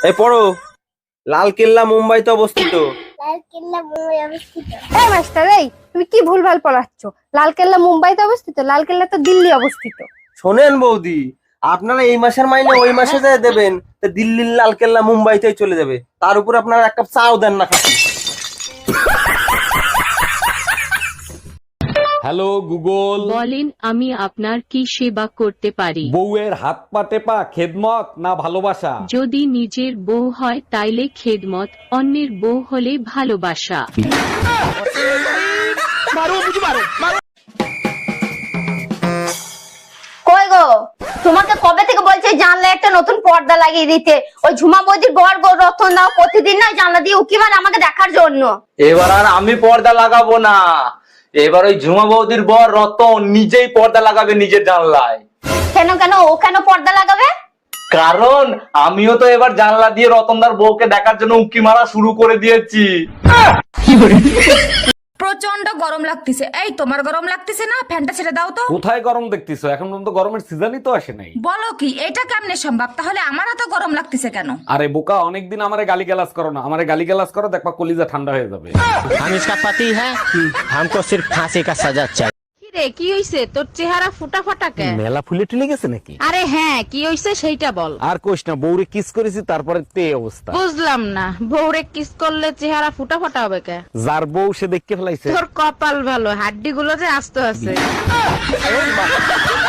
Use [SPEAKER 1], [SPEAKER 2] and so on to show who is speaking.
[SPEAKER 1] এই পড়ো, লালকেল্লা মুম্বাইতে অবস্থিত।
[SPEAKER 2] লালকেল্লা মুম্বাই অবস্থিত।
[SPEAKER 3] এই মাস্টার, এই তুমি কি ভুলভাল পড়াচ্ছ? লালকেল্লা মুম্বাইতে অবস্থিত, লালকেল্লা তো দিল্লি অবস্থিত।
[SPEAKER 1] শোনেন বৌদি, আপনারা এই মাসের মাইনে ওই মাসে যে দেবেন, তা দিল্লির লালকেল্লা মুম্বাইতেই চলে যাবে। তার উপর আপনারা এক কাপ চাও দেন না খাচ্ছি।
[SPEAKER 4] হ্যালো গুগল,
[SPEAKER 5] বলেন আমি আপনার কি সেবা করতে পারি?
[SPEAKER 4] বউয়ের হাত পা টেপা খেদমত না ভালোবাসা?
[SPEAKER 5] যদি নিজের বউ হয় তাইলে খেদমত, অন্যের বউ হলে ভালোবাসা।
[SPEAKER 2] কই গো, তোমাকে কবে থেকে বলছে জানলা একটা নতুন পর্দা লাগিয়ে দিতে? ওই ঝুমা বৌদির বর গো রতন দাও প্রতিদিন না জানলা দিয়ে উকি মারে আমাকে দেখার জন্য।
[SPEAKER 6] এবার আর আমি পর্দা লাগাবো না, এবার ওই ঝুমা বৌদির বর রতন নিজেই পর্দা লাগাবে নিজের জানলায়।
[SPEAKER 2] কেন কেন ও কেন পর্দা লাগাবে?
[SPEAKER 6] কারণ আমিও তো এবার জানলা দিয়ে রতনদার বউকে দেখার জন্য উঁকি মারা শুরু করে দিয়েছি।
[SPEAKER 7] প্রচন্ড গরম লাগতেছে। এই তোমার গরম লাগতেছে না? ফ্যানটা ছেড়ে দাও তো।
[SPEAKER 4] কোথায় গরম দেখতেছো? এখন পর্যন্ত গরমের সিজনই তো আসে নাই।
[SPEAKER 7] বলো কি, এটা কেমনে সম্ভব? তাহলে আমার এত গরম লাগতেছে কেন?
[SPEAKER 4] আরে বোকা, অনেকদিন আমারে গালিগালাজ করো না, আমারে গালিগালাজ করো, দেখবা কলিজা ঠান্ডা হয়ে যাবে।
[SPEAKER 8] हम इसका पति है, हमको सिर्फ फांसी का सजा चाहिए।
[SPEAKER 9] রে কি হইছে তোর চেহারা ফুটা ফাটা কে?
[SPEAKER 4] মেলা ফুলে টুলে গেছে নাকি?
[SPEAKER 9] আরে হ্যাঁ, কি হইছে সেইটা বল।
[SPEAKER 4] আর কোশ না, বউরে কিস করেছি তারপরে তে অবস্থা।
[SPEAKER 9] বুঝলাম না, বউরে কিস করলে চেহারা ফুটা ফাটা হবে কে?
[SPEAKER 4] যার বউ সে দেখতে ফেলাইছে।
[SPEAKER 9] তোর কপাল ভালো, হাড্ডি গুলো যে আস্ত আছে।